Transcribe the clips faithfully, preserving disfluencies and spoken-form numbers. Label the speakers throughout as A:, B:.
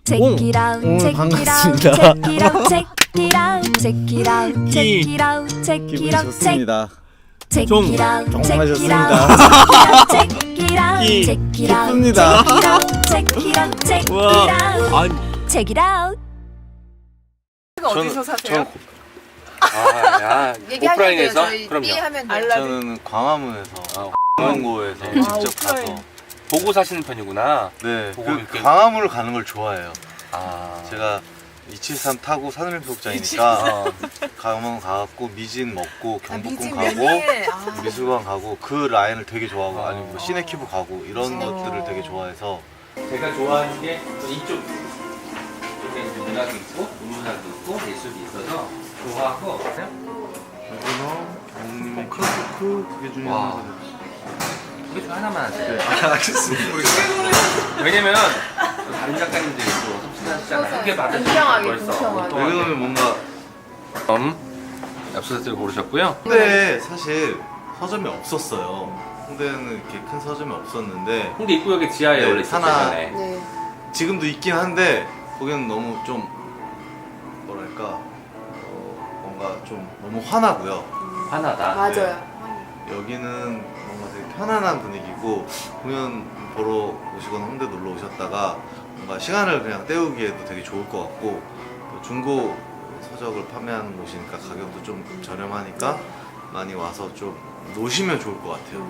A: Check it out, check it out, check it out, check it out, check it out, check it out, check
B: 기분이
A: it out,
B: 좋습니다.
A: check
C: 종.
A: it out,
B: 종
A: check it
B: 마셨습니다.
A: out, check it out,
C: 기.
A: check it out,
B: 기쁩니다.
A: check it out, check it
C: 와.
A: out,
C: 아니,
A: check it out.
D: 어디서 사세요?
C: 아, 야,
D: 얘기하면
C: 오프라인에서?
D: 돼요. 저희
C: 그럼요.
D: 삐 하면 돼요.
B: 저는 광화문에서
C: 아,
B: 광원고에서
C: 네.
D: 아,
B: 직접
D: 오프라인.
B: 가서
C: 보고 사시는 편이구나.
B: 네,
C: 보고
B: 그
C: 이렇게-
B: 광화문을 가는 걸 좋아해요.
C: 아,
B: 제가 이칠삼 타고 산림수욕장이니까
C: 어,
B: 광화문 가갖고 미진 먹고
D: 아,
B: 경복궁
D: 미진
B: 가고
D: 명예. 아.
B: 미술관 가고 그 라인을 되게 좋아하고
C: 어.
B: 아니면 뭐 시네큐브 가고 이런
D: 어.
B: 것들을 되게 좋아해서
C: 제가 좋아하는 게 이쪽 이쪽에 이제 문학이 있고 문학이 있고 예술이 있어서 좋아하고
B: 여기는 장님의 크로크 그게 중요한
C: 와.
B: 거
C: 그게 좀 하나만 하세요.
B: 알겠습니다.
C: 왜냐면 다른 작가님들이 또 섭취하시잖아요. 크게 받으시는
D: 공평하게,
C: 벌써.
D: 공평하게.
B: 왜냐면 뭔가
C: 음, 엽서를 고르셨고요.
B: 홍대에 사실 서점이 없었어요. 홍대는 이렇게 큰 서점이 없었는데
C: 홍대 입구역에 지하에
B: 네,
C: 원래
B: 하나-
C: 있었잖아요.
D: 네.
B: 지금도 있긴 한데 거기는 너무 좀 뭐랄까 어, 뭔가 좀 너무 환하고요.
C: 하나다.
D: 맞아요.
B: 여기는 뭔가 되게 편안한 분위기고 공연 보러 오시거나 홍대 놀러 오셨다가 뭔가 시간을 그냥 때우기에도 되게 좋을 것 같고 또 중고 서적을 판매하는 곳이니까 가격도 좀 저렴하니까 많이 와서 좀 노시면 좋을 것 같아요.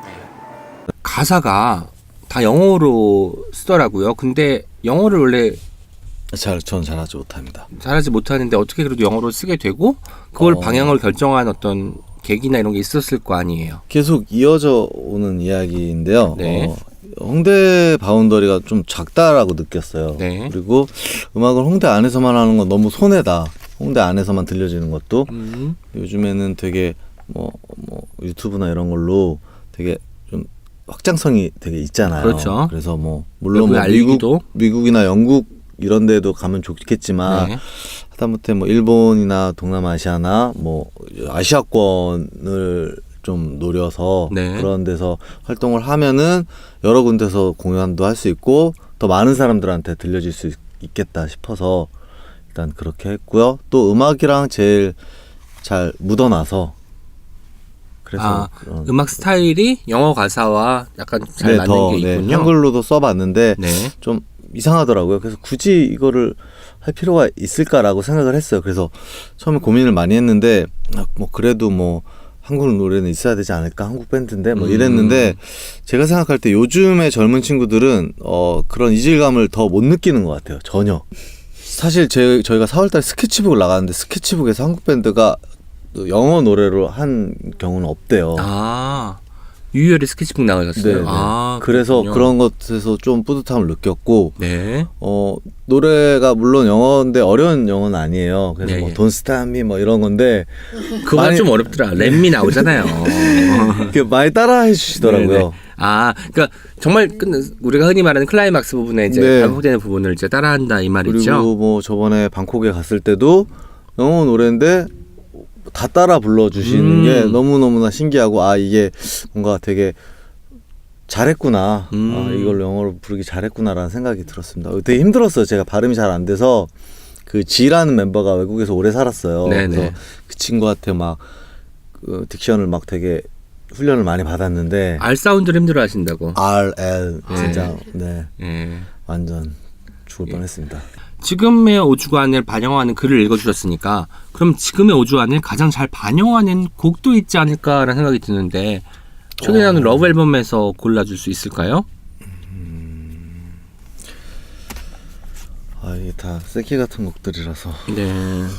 E: 가사가 다 영어로 쓰더라고요. 근데 영어를 원래
B: 잘, 전 잘하지 못합니다.
E: 잘하지 못하는데 어떻게 그래도 영어로 쓰게 되고 그걸
B: 어.
E: 방향을 결정한 어떤 계기나 이런 게 있었을 거 아니에요.
B: 계속 이어져 오는 이야기인데요.
E: 네.
B: 어, 홍대 바운더리가 좀 작다라고 느꼈어요.
E: 네.
B: 그리고 음악을 홍대 안에서만 하는 건 너무 손해다. 홍대 안에서만 들려지는 것도
E: 음.
B: 요즘에는 되게 뭐, 뭐 유튜브나 이런 걸로 되게 좀 확장성이 되게 있잖아요.
E: 그렇죠.
B: 그래서 뭐 물론
E: 외부에
B: 뭐 미국,
E: 알리기도.
B: 미국이나 영국 이런 데도 가면 좋겠지만
E: 네.
B: 하다못해 뭐 일본이나 동남아시아나 뭐 아시아권을 좀 노려서
E: 네.
B: 그런 데서 활동을 하면은 여러 군데서 공연도 할 수 있고 더 많은 사람들한테 들려질 수 있, 있겠다 싶어서 일단 그렇게 했고요. 또 음악이랑 제일 잘 묻어나서 그래서
E: 아,
B: 그런
E: 음악 스타일이 영어 가사와 약간 잘
B: 네,
E: 맞는
B: 더,
E: 게
B: 네,
E: 있군요.
B: 한글로도 써봤는데
E: 네.
B: 좀 이상하더라고요. 그래서 굳이 이거를 할 필요가 있을까라고 생각을 했어요. 그래서 처음에 고민을 많이 했는데 아, 뭐 그래도 뭐 한국 노래는 있어야 되지 않을까? 한국 밴드인데 뭐
E: 음.
B: 이랬는데 제가 생각할 때 요즘의 젊은 친구들은 어 그런 이질감을 더 못 느끼는 것 같아요. 전혀. 사실 제, 저희가 사월달에 스케치북을 나갔는데 스케치북에서 한국 밴드가 영어 노래로 한 경우는 없대요.
E: 아, 유열의 스케치북 나가셨어요.
B: 네, 네.
E: 아,
B: 그래서
E: 그렇군요.
B: 그런 것에서 좀 뿌듯함을 느꼈고
E: 네.
B: 어 노래가 물론 영어인데 어려운 영어는 아니에요. 그래서
E: 네,
B: 뭐
E: 예.
B: Don't Stop Me 뭐 이런 건데
E: 그거
B: 많이-
E: 좀 어렵더라. 랩미 나오잖아요.
B: 이렇게 많이 따라해 주시더라고요.
E: 네네. 아, 그러니까 정말 끝 우리가 흔히 말하는 클라이막스 부분에 이제
B: 네.
E: 반복되는 부분을 이제 따라한다 이 말이죠.
B: 그리고 뭐 저번에 방콕에 갔을 때도 영어 노래인데 다 따라 불러주시는
E: 음.
B: 게 너무너무나 신기하고 아 이게 뭔가 되게 잘했구나.
E: 음.
B: 아, 이걸 영어로 부르기 잘했구나라는 생각이 들었습니다. 되게 힘들었어요. 제가 발음이 잘 안 돼서 그 지라는 멤버가 외국에서 오래 살았어요.
E: 네네.
B: 그래서 그 친구한테 막 그 딕션을 막 되게 훈련을 많이 받았는데
E: R 사운드를 힘들어 하신다고.
B: R, L 진짜 네
E: 예.
B: 완전 죽을 뻔했습니다.
E: 지금의 오주관을 반영하는 글을 읽어주셨으니까 그럼 지금의 오주관을 가장 잘 반영하는 곡도 있지 않을까라는 생각이 드는데 최근에 나온
B: 어.
E: 러브 앨범에서 골라줄 수 있을까요?
B: 아 이게 다 새끼 같은 곡들이라서
E: 네.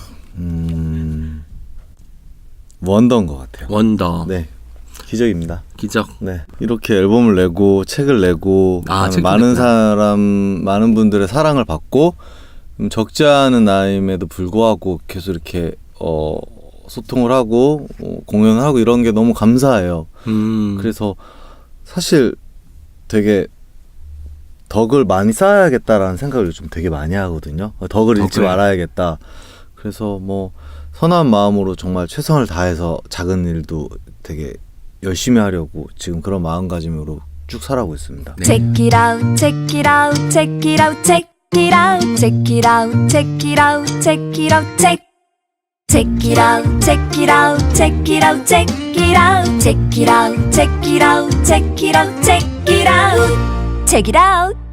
B: 음 원더인 것 같아요.
E: 원더.
B: 네 기적입니다.
E: 기적.
B: 네 이렇게 앨범을 내고 책을 내고
E: 아, 책도
B: 많은
E: 냈구나.
B: 사람 많은 분들의 사랑을 받고 음, 적지 않은 나이임에도 불구하고 계속 이렇게 어 소통을 하고 어, 공연을 하고 이런 게 너무 감사해요.
E: 음.
B: 그래서 사실 되게 덕을 많이 쌓아야겠다라는 생각을 요즘 되게 많이 하거든요. 덕을 잃지
E: 덕을.
B: 말아야겠다. 그래서 뭐 선한 마음으로 정말 최선을 다해서 작은 일도 되게 열심히 하려고 지금 그런 마음가짐으로 쭉 살아가고 있습니다.
E: 네.
A: Check it out, check it out, check it out, check it out, check it out, check it out, check it out, check. Check it out, check it out, check it out, check it out, check it out, check it out, check it out, check it out, check it out.